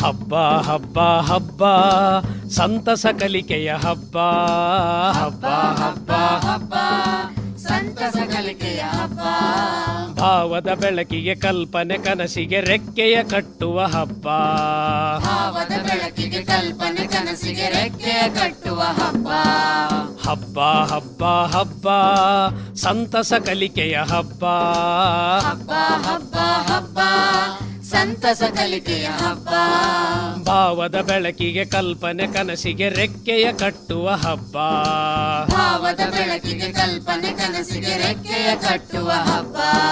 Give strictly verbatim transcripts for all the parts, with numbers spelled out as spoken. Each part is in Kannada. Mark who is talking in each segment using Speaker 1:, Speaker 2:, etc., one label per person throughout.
Speaker 1: ಹಬ್ಬ ಹಬ್ಬ ಹಬ್ಬ ಸಂತಸ ಕಲಿಕೆಯ ಹಬ್ಬ. ಹಬ್ಬ ಹಬ್ಬ ಹಬ್ಬ
Speaker 2: ಸಂತಸ ಕಲಿಕೆಯ ಹಬ್ಬ.
Speaker 1: ಭಾವದ ಬೆಳಕಿಗೆ ಕಲ್ಪನೆ ಕನಸಿಗೆ ರೆಕ್ಕೆಯ ಕಟ್ಟುವ ಹಬ್ಬ.
Speaker 2: ಭಾವದ ಬೆಳಕಿಗೆ ಕಲ್ಪನೆ ಕನಸಿಗೆ ರೆಕ್ಕೆಯ ಕಟ್ಟುವ ಹಬ್ಬ.
Speaker 1: ಹಬ್ಬ ಹಬ್ಬ ಹಬ್ಬ ಸಂತಸ ಕಲಿಕೆಯ ಹಬ್ಬ.
Speaker 2: ಹಬ್ಬ ಹಬ್ಬ ಹಬ್ಬ ಸಂತಸ ಕಲಿಕೆಯ ಹಬ್ಬ.
Speaker 1: ಭಾವದ ಬೆಳಕಿಗೆ ಕಲ್ಪನೆ ಕನಸಿಗೆ ರೆಕ್ಕೆಯ ಕಟ್ಟುವ ಹಬ್ಬ.
Speaker 2: ಭಾವದ ಬೆಳಕಿಗೆ ಕಲ್ಪನೆ ಕನಸಿಗೆ ರೆಕ್ಕೆಯ ಕಟ್ಟುವ ಹಬ್ಬ.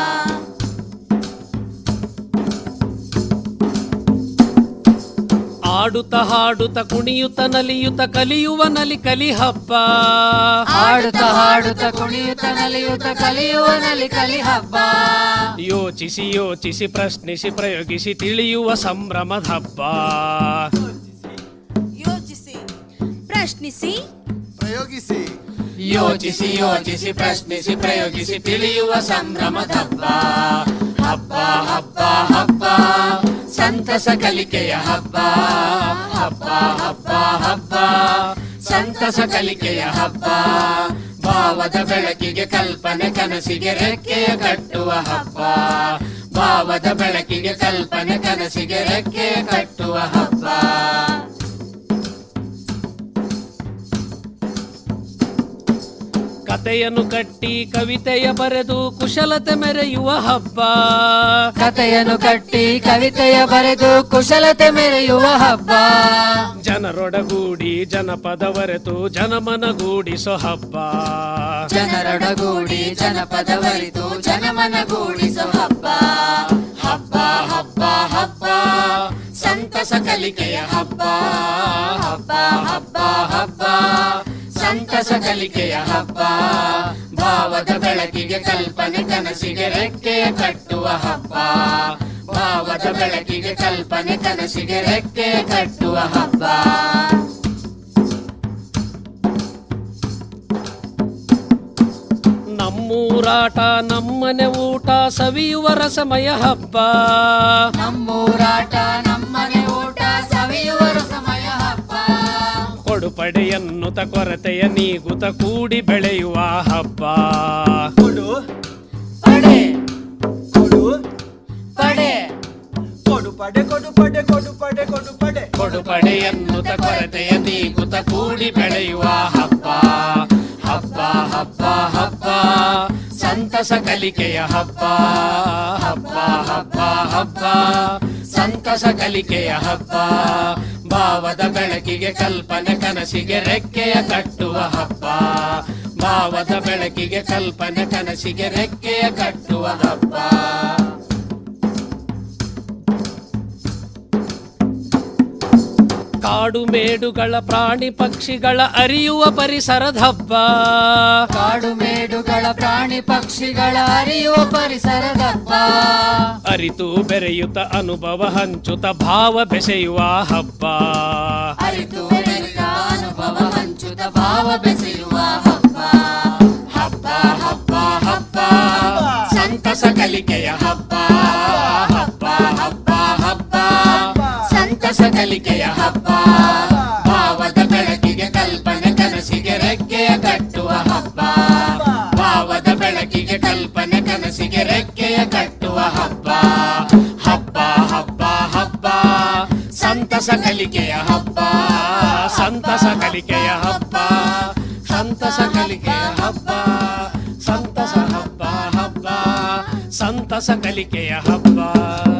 Speaker 1: ಆಡುತ್ತ ಹಾಡುತ್ತ ಕುಣಿಯುತ್ತ ನಲಿಯುತ್ತ ಕಲಿಯುವ ನಲಿ ಕಲಿ ಹಬ್ಬ.
Speaker 2: ಆಡುತ್ತ ಹಾಡುತ್ತ ಕುಣಿಯುತ್ತ ನಲಿಯುತ್ತ ಕಲಿಯುವ ನಲಿ ಕಲಿ ಹಬ್ಬ.
Speaker 1: ಯೋಚಿಸಿ ಯೋಚಿಸಿ ಪ್ರಶ್ನಿಸಿ ಪ್ರಯೋಗಿಸಿ ತಿಳಿಯುವ ಸಂಭ್ರಮದ ಹಬ್ಬ.
Speaker 3: ಯೋಚಿಸಿ ಪ್ರಶ್ನಿಸಿ
Speaker 4: ಪ್ರಯೋಗಿಸಿ
Speaker 2: ಯೋಚಿಸಿ ಯೋಚಿಸಿ ಪ್ರಶ್ನಿಸಿ ಪ್ರಯೋಗಿಸಿ ತಿಳಿಯುವ ಸಂಭ್ರಮದ ಹಬ್ಬ. ಹಬ್ಬ ಹಬ್ಬ ಹಬ್ಬ ಸಂತಸ ಕಲಿಕೆಯ ಹಬ್ಬ. ಹಬ್ಬ ಹಬ್ಬ ಹಬ್ಬ ಸಂತಸ ಕಲಿಕೆಯ ಹಬ್ಬ. ಭಾವದ ಬೆಳಕಿಗೆ ಕಲ್ಪನೆ ಕನಸಿಗೆ ರೆಕ್ಕೆಯ ಕಟ್ಟುವ ಹಬ್ಬ. ಭಾವದ ಬೆಳಕಿಗೆ ಕಲ್ಪನೆ ಕನಸಿಗೆ ರೆಕ್ಕೆಯ ಕಟ್ಟುವ ಹಬ್ಬ.
Speaker 1: ಕತೆಯನ್ನು ಕಟ್ಟಿ ಕವಿತೆಯ ಬರೆದು ಕುಶಲತೆ ಮೆರೆಯುವ ಹಬ್ಬ.
Speaker 2: ಕತೆಯನ್ನು ಕಟ್ಟಿ ಕವಿತೆಯ ಬರೆದು ಕುಶಲತೆ ಮೆರೆಯುವ ಹಬ್ಬ.
Speaker 1: ಜನರೊಡಗೂಡಿ ಜನಪದವರೆತು ಜನಮನಗೂಡಿಸೋ ಹಬ್ಬ.
Speaker 2: ಜನರೊಡಗೂಡಿ ಜನಪದವರಿತು ಜನಮನಗೂಡಿಸೋ ಹಬ್ಬ. ಹಬ್ಬ ಹಬ್ಬ ಹಬ್ಬ ಸಂತಸ ಕಲಿಕೆಯ ಹಬ್ಬ. ಹಬ್ಬ ಹಬ್ಬ ಹಬ್ಬ ಸಂತಸ ಕಲಿಕೆಯ ಹಬ್ಬ. ಭಾವದ ಬೆಳಕಿಗೆ ಕಲ್ಪನೆ ಕನಸಿಗೆ ರೆಕ್ಕೆಯ ಕಟ್ಟುವ ಹಬ್ಬ. ಭಾವದ ಬೆಳಕಿಗೆ ಕಲ್ಪನೆ ಕನಸಿಗೆ ರೆಕ್ಕೆಯ ಕಟ್ಟುವ ಹಬ್ಬ.
Speaker 1: ನಮ್ಮೂರಾಟ ನಮ್ಮನೆ ಊಟ ಸವಿಯುವ ರಸಮಯ ಹಬ್ಬ.
Speaker 2: ನಮ್ಮೂರಾಟ ನಮ್ಮನೆ ಊಟ ಸವಿಯುವ ರಸಮಯ ಹಬ್ಬ.
Speaker 1: ಕೊಡುಪಡೆಯನ್ನುತ ಕೊರತೆಯ ನೀಗುತ ಕೂಡಿ ಬೆಳೆಯುವ ಹಬ್ಬ.
Speaker 4: ಕೊಡು
Speaker 2: ಪಡೆ
Speaker 4: ಕೊಡು
Speaker 2: ಪಡೆ
Speaker 4: ಕೊಡು ಪಡೆ ಕೊಡು ಪಡೆ ಕೊಡು ಪಡೆ ಕೊಡು ಪಡೆ
Speaker 1: ಕೊಡುಪಡೆಯನ್ನುತ ಕೊರತೆಯ ನೀಗುತ ಕೂಡಿ ಬೆಳೆಯುವ ಹಬ್ಬ. ಹಬ್ಬ ಹಬ್ಬ ಹಬ್ಬ ಸಂತಸ ಕಲಿಕೆಯ ಹಬ್ಬ. ಹಬ್ಬ ಹಬ್ಬ ಹಬ್ಬ ಸಂತಸ ಕಲಿಕೆಯ ಹಬ್ಬ. ಭಾವದ ಬೆಳಕಿಗೆ ಕಲ್ಪನೆ ಕನಸಿಗೆ ರೆಕ್ಕೆಯ ಕಟ್ಟುವ ಹಬ್ಬ. ಭಾವದ ಬೆಳಕಿಗೆ ಕಲ್ಪನೆ ಕನಸಿಗೆ ರೆಕ್ಕೆಯ ಕಟ್ಟುವ ಹಬ್ಬ. ಕಾಡು ಮೇಡುಗಳ ಪ್ರಾಣಿ ಪಕ್ಷಿಗಳ ಅರಿಯುವ ಪರಿಸರದ ಹಬ್ಬ.
Speaker 2: ಕಾಡು ಮೇಡುಗಳ ಪ್ರಾಣಿ ಪಕ್ಷಿಗಳ ಅರಿಯುವ ಪರಿಸರದ ಹಬ್ಬ.
Speaker 1: ಅರಿತು ಬೆರೆಯುತ್ತ ಅನುಭವ ಹಂಚುತ್ತ ಭಾವ ಬೆಸೆಯುವ ಹಬ್ಬ.
Speaker 2: ಅರಿತು ಬೆರೆತ ಅನುಭವ ಹಂಚುತ್ತ ಭಾವ ಬೆಸೆಯುವ ಹಬ್ಬ. ಹಬ್ಬ ಹಬ್ಬ ಹಬ್ಬ ಸಂತಸ ಕಲಿಕೆಯ ಹಬ್ಬ. ಹಬ್ಬ ಹಬ್ಬ ಹಬ್ಬ ಸಂತಸ ಕಲಿಕೆಯ ಹಬ್ಬ. ಭಾವದ ಬೆಳಕಿಗೆ ಕಲ್ಪನೆ ಕನಸಿಗೆ ರೆಕ್ಕೆಯ ಕಟ್ಟುವ ಹಬ್ಬ. ಭಾವದ ಬೆಳಕಿಗೆ ಕಲ್ಪನೆ ಕನಸಿಗೆ ರೆಕ್ಕೆಯ ಕಟ್ಟುವ ಹಬ್ಬ. ಹಬ್ಬ ಹಬ್ಬ ಹಬ್ಬ ಸಂತಸ ಕಲಿಕೆಯ ಹಬ್ಬ. ಸಂತಸ ಕಲಿಕೆಯ ಹಬ್ಬ. ಸಂತಸ ಕಲಿಕೆಯ ಹಬ್ಬ. ಸಂತಸ ಹಬ್ಬ ಹಬ್ಬ ಸಂತಸ ಕಲಿಕೆಯ ಹಬ್ಬ.